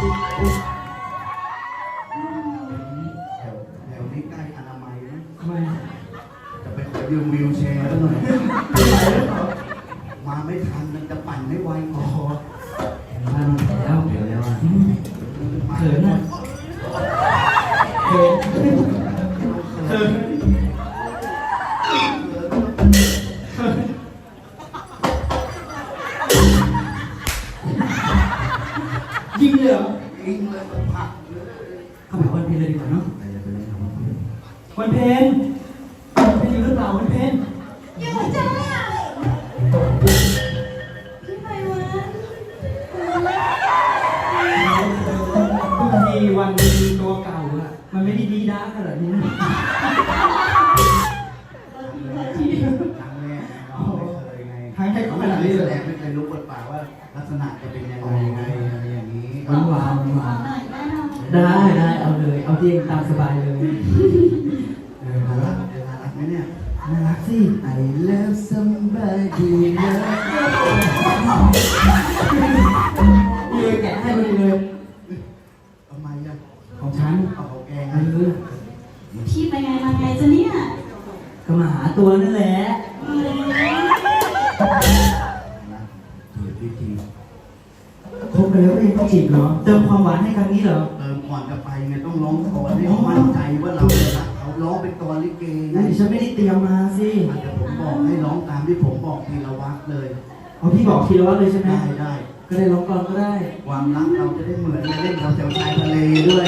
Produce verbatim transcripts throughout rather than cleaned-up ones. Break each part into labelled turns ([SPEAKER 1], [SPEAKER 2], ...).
[SPEAKER 1] แถวแถวนี้ใกล้อนามัยนะ
[SPEAKER 2] ทำไม
[SPEAKER 1] จะไปขอยืมวิวแชร์แล้วหน่อยมาไม่ทันมันจะปั่นให้ไว
[SPEAKER 2] โอ้โหมาลงแล้วเดี๋ยวแล้วอ่ะเขินอ่ะเขินเขินยิงเลยเหรอ
[SPEAKER 1] ยิงเลยผักเลย
[SPEAKER 2] เข้าไปวันเพ็ญเลยดีกว่าเนาะ
[SPEAKER 1] ไปเลยไปเลยครับ
[SPEAKER 2] วันเพ็ญเป็นอยู่หรือเปล่าวันเพ็ญ
[SPEAKER 3] อยู่จ้าพี่ไพวัน
[SPEAKER 2] ทุกทีวันเป็นตัวเก่าอะมันไม่ได้ดีด้าขนาดนี้นะ
[SPEAKER 1] ครั้งแรกน้องไม่เคยไง
[SPEAKER 2] ครั้งแรก
[SPEAKER 1] เขา
[SPEAKER 2] เขา
[SPEAKER 1] ไม่
[SPEAKER 2] ขนาด
[SPEAKER 1] เคย
[SPEAKER 2] นี้
[SPEAKER 1] แส
[SPEAKER 2] เลย
[SPEAKER 1] ดงไม่เคยรู้บทบาทว่าลักษณะจะเป็นยังไงไงอะไรอย่างนี้
[SPEAKER 2] หวานหวานหวาน
[SPEAKER 3] หน่อยได้ไหม
[SPEAKER 2] ได้ได้เอาเลยเอาที่เองตามสบายเลยเออ
[SPEAKER 1] น่า
[SPEAKER 2] น่า
[SPEAKER 1] รั
[SPEAKER 2] รั
[SPEAKER 1] ก
[SPEAKER 2] ก
[SPEAKER 1] น่ารักไหมเนี่ย
[SPEAKER 2] น่ารักสิ
[SPEAKER 1] I love somebody
[SPEAKER 2] เลยแกะให้พอดีเลย
[SPEAKER 1] ทำไมอ่ะ
[SPEAKER 2] ของฉัน
[SPEAKER 1] เอาของแก
[SPEAKER 2] เอ
[SPEAKER 1] ไง
[SPEAKER 2] อ
[SPEAKER 3] พี่ไปไงมาไงจ้ะเนี่ย
[SPEAKER 2] ก็มาหาตัวนั่นแหละ
[SPEAKER 3] เออ
[SPEAKER 1] นะถือที่จริง
[SPEAKER 2] คบกันแล้วเองต้องจีบเหรอเติมความหวานให้ครั้งนี้เหรอ
[SPEAKER 1] เติมก่อนจะไปไงต้องร้องก่อนให้เขามั่นใจว่าเราเนี่ยรักเขาร้องเป็นกลอนลิเกไง
[SPEAKER 2] นี่ฉันไม่ได้เตรียมมาสิ
[SPEAKER 1] อาจจะผมบอกให้ร้องตามที่ผมบอกทีละวักเลย
[SPEAKER 2] เอาพี่บอกทีละวัดเลยใช่ไหม
[SPEAKER 1] ได้ได้
[SPEAKER 2] ก็ได้ร้องก่อนก็ได้
[SPEAKER 1] ความรักเราจะได้เหมือนเล่นเราแถวชายทะเลด้วย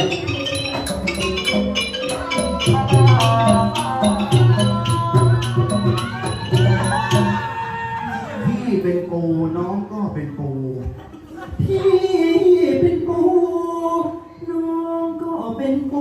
[SPEAKER 1] พี่เป็นปูน้องก็เป็นปู
[SPEAKER 2] พี่เป็นปูน้องก็เป็นปู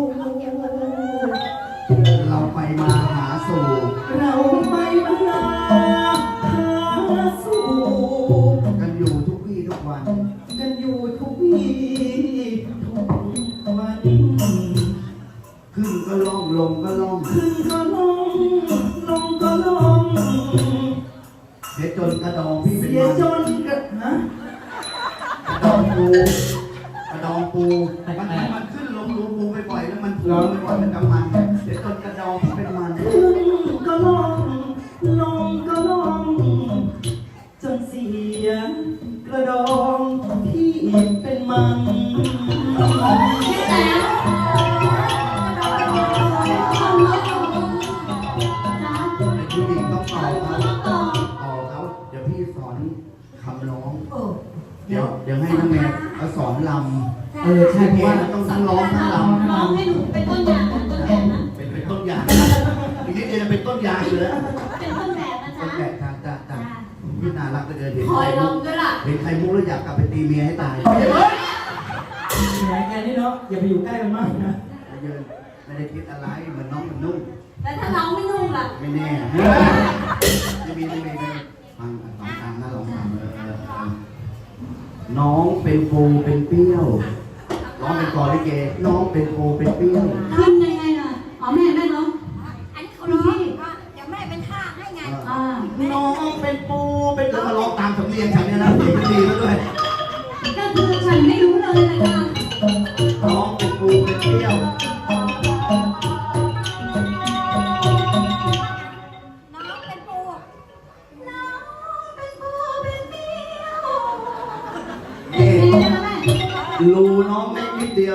[SPEAKER 1] เราไปมาหาสู่
[SPEAKER 2] เราไม่มาหาสู่
[SPEAKER 1] กันอยู่ทุกวี่ทุกวัน
[SPEAKER 2] กันอยู่ทุกวี่ทุกวัน
[SPEAKER 1] ขึ้นก็ล่องลงก็ล่อง
[SPEAKER 2] ขึ้นก็ลงลงก็ลง
[SPEAKER 1] เดี๋ยวจนกระดองพี่เป็น
[SPEAKER 2] เสีย
[SPEAKER 1] มัน
[SPEAKER 2] จนกระฮะ
[SPEAKER 1] กระดองปูกระดองปูมันมันมันขึ้นลงรูปูไปบ่อยแล้วมันปูไปบ่อยมันกำมันเดี๋ยวจนกระดองพี่เป็นมัน
[SPEAKER 2] ขึ้นก็ลงลงก็ลงจนเสียกระดองพี่เป็นมัน
[SPEAKER 3] พี่แล้วทำแล้วจ้า
[SPEAKER 1] เป็นผู้หญิงต้องต่อ
[SPEAKER 3] เขา
[SPEAKER 1] เขา
[SPEAKER 3] ต้องต่อ
[SPEAKER 1] ต่อเขาเดี๋ยวพี่สอนคำร้อง
[SPEAKER 3] โอ้
[SPEAKER 1] เดี๋ยวเดี๋ยวให้น้องแม่เขาสอนล
[SPEAKER 2] เออใช่
[SPEAKER 1] ำ
[SPEAKER 2] เพราะว่า
[SPEAKER 1] ต้องทั้งร้องทั้งล
[SPEAKER 3] ร้องให้หนูเป็นต้นอย่างนะต้นแบบนะ
[SPEAKER 1] ำเป็นเป็นต้นยางอีกนิดเดียวจะเป็นต้นยางอยู่แล้ว
[SPEAKER 3] เป็นต้นแบบนะ
[SPEAKER 1] ต้
[SPEAKER 3] จ๊ะ
[SPEAKER 1] นแก่ทางจ้าจ้าพี่น่ารักไปเดินเห็น
[SPEAKER 3] คอ
[SPEAKER 1] ใคร
[SPEAKER 3] ยล
[SPEAKER 1] มุ
[SPEAKER 3] อง
[SPEAKER 1] ก
[SPEAKER 3] ด้วยล่ะ
[SPEAKER 1] เห็นใครมุกแล้วอยากกลับไปตีเมียให้ตาย
[SPEAKER 2] แหมแกนี่เนาะอย่าไปอยู่ใกล้กันมากนะ
[SPEAKER 1] ไม่เยินไม่ได้คิดอะไรเหมือนน้องเหมือนนุ่ม
[SPEAKER 3] แต่ถ้าร้องไม่นุ่มล่ะ
[SPEAKER 1] ไม่แน่ไม่มีไม่มีไม่มีฟังฟังตามนะลองฟังเออเออเออน้องเป็นปูเป็นเปรี้ยวร้องเป็นกอลิเกน้องเป็นปูเป็นเปรี้ยว
[SPEAKER 3] ขึ้นยังไงล่ะอ๋อแม่แม่ร้อง
[SPEAKER 4] อันนี้เขาร้องว่าเดี๋ยวแม่เป็นท่าให้ไง
[SPEAKER 3] อ่า
[SPEAKER 1] น้องเป็นปูเป็นแล้วมาร้องตามสำเนียงฉันเนี่ยนะเสียงดีแล้วด้วย
[SPEAKER 3] ก็คือฉันไม่รู้เลยเลยค่ะ
[SPEAKER 1] น้องเป็นปูเป็นเปรี้ยว
[SPEAKER 4] น้องเป็นปู
[SPEAKER 3] น้องเป็นปูเป็นเปี้ยว
[SPEAKER 1] เย่
[SPEAKER 3] เป็นไงล่ะแม่
[SPEAKER 1] รูน้องเล็กนิดเดียว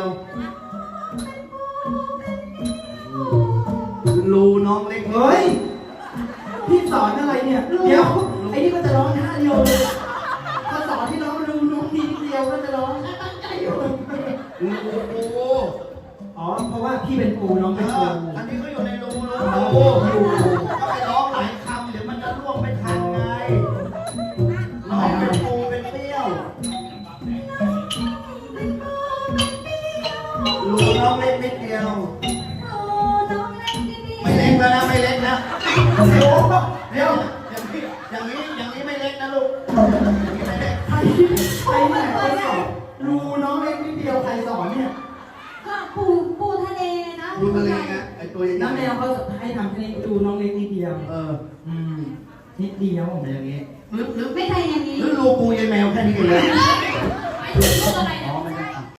[SPEAKER 1] รูน้องเล็ก
[SPEAKER 2] เฮ้ยพี่สอนอะไรเนี่ยเดี๋ยวไอ้นี่ก็จะร้องท่าเดียวเลยถ้าสอนที่น้องรู้น้องดีเดียวก็จะร้องตั้งใจอยู่
[SPEAKER 1] รูปู
[SPEAKER 2] อ๋อเพราะว่าพี่เป็นปูน้อง
[SPEAKER 1] เอ
[SPEAKER 2] เป็นปู
[SPEAKER 1] ออันนี้ก็อยู่ในรูรูปูอยู่ก็ไปร้องหลายคำเดี๋ยวมันจะล่วงไม่ทันไงน้องเป็นปูเป็นเปรี้ยวรูน้องเล็กนิดเดียว
[SPEAKER 3] โอ้น้องเล็กนิดเดียว
[SPEAKER 1] ไม่เล็กแล้วนะไม่เล็กนะเดี๋ยวเดี๋ยวอย่างนี้อย่างนี้อย่างนี้ไม่เล็กนะลูกอย่างนี้ไม่เล็ก
[SPEAKER 2] ใครใครเนี่ยใครสอนรูน้องเล็กนิดเดียวใครสอนเนี่ย
[SPEAKER 3] ก็ปูปูทะเลนะ
[SPEAKER 1] ดูทะเลนะไอตัวใหญ่
[SPEAKER 2] น้ำแมวเขาให้ทำแค่นี้ดูน้องเล็กนิดเดียว
[SPEAKER 1] เออ
[SPEAKER 2] อืมนิดเดียว
[SPEAKER 1] เป็นอย่างนี้หรือหรือ
[SPEAKER 3] ไม่ใช่อย่างนี้
[SPEAKER 1] หรือรูปูยายแมวแค่นี้เองเลย
[SPEAKER 3] ไม่ถึงลูกอะไรนะ